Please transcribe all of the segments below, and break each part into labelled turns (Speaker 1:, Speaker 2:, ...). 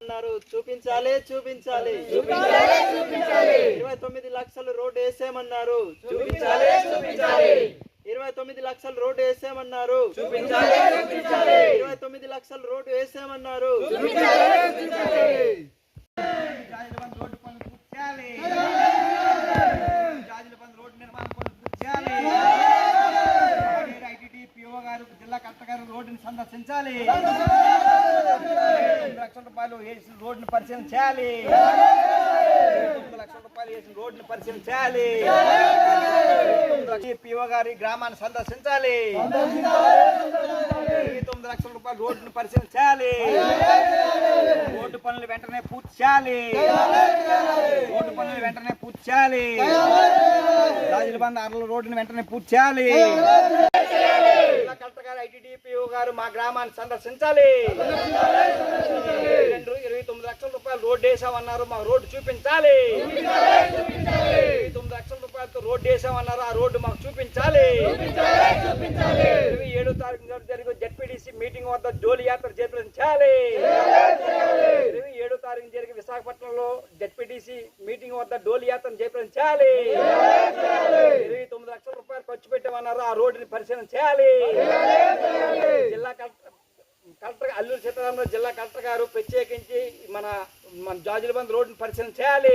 Speaker 1: వేసేమన్నారు, చూపించాలి చూపించాలి 29 లక్షలు రోడ్డు వేసేమన్నారు, 29 లక్షలు రోడ్డు వేసేమన్నారు, 29 లక్షలు రోడ్డు వేసేమన్నారు.
Speaker 2: జిల్లా కలెక్టర్ గారు రోడ్డుని సందర్శించాలి, 9 లక్షల రూపాయలు వేసిన రోడ్డుని పరిశీలన చేయాలి, 9 లక్షల రూపాయలు వేసిన రోడ్డుని పరిశీలన చేయాలి. పిఓ గారి గ్రామాన్ని సందర్శించాలి, 9 లక్షల రూపాయలు రోడ్డుని పరిశీలన చేయాలి, రోడ్డు పనులు వెంటనే పూర్తి చేయాలి, రోడ్డు పనులు వెంటనే పూర్తి చేయాలి, రాజులబంద అరల రోడ్డుని వెంటనే పూర్తి చేయాలి. జిల్లా కలెక్టర్ గారు ఐటీడీపీఓ గారు మా గ్రామాన్ని సందర్శించాలి, 29 లక్షల రూపాయలు రోడ్డు వేసామన్నారు, మా రోడ్డు చూపించాలి, 29 లక్షల రూపాయలతో రోడ్డు వేసామన్నారు, ఆ రోడ్డు మాకు చూపించాలి. 27వ తారీఖు జరిగే జెడ్పీటీసీ మీటింగ్ వద్ద జోలి యాత్ర చేపించాలి, 27వ తారీఖు జరిగే విశాఖపట్నంలో జెడ్పీటీసీ మీటింగ్ వద్ద డోలి యాత్ర చేపించాలి. 29 లక్షల రూపాయలు ఖర్చు పెట్టామన్నారు, ఆ రోడ్డుని పరిశీలన చేయాలి. జిల్లా కలెక్టర్ అల్లూరు సీతారామరాజు జిల్లా కలెక్టర్ గారు ప్రత్యేకించి మన జాజులబంద్ రోడ్డుని పరిశీలన చేయాలి.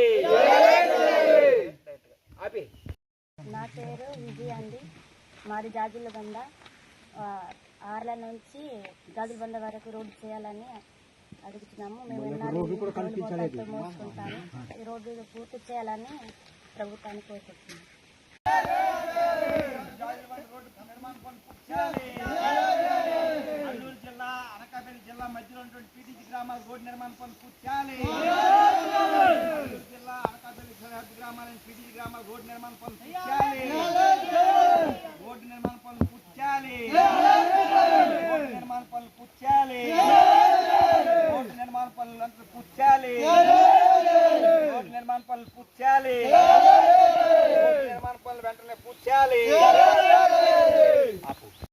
Speaker 3: నా పేరు విజయ అండి, మాది జాజులబంద. ఆర్ల నుంచి జాజులబంద వరకు రోడ్డు చేయాలని అడుగుతున్నాము. మేము మోసుకుంటాము, ఈ రోడ్డు పూర్తి చేయాలని ప్రభుత్వాన్ని కోరుకుంటున్నాము.
Speaker 2: అల్లూరు జిల్లా అనకాపల్లి జిల్లా మధ్యలో ఉన్నటువంటి పీటీసీ గ్రామాల రోడ్డు నిర్మాణ పనులు పూర్తి చేయాలి. అల్లూరు జిల్లా అనకాపల్లి సరిహద్దు గ్రామాల పీటీసీ గ్రామాల రోడ్డు నిర్మాణ పనులు పూర్తి చేయాలి, రోడ్డు నిర్మాణ పనులు పూర్తి చేయాలి, రోడ్డు నిర్మాణ పనులు పూర్తి చేయాలి, రోడ్డు నిర్మాణ పనులు అంతా పూర్తి చేయాలి, రోడ్డు నిర్మాణ పనులు పూర్తి చేయాలి, రోడ్డు నిర్మాణ పనులు వెంటనే పూర్తి చేయాలి.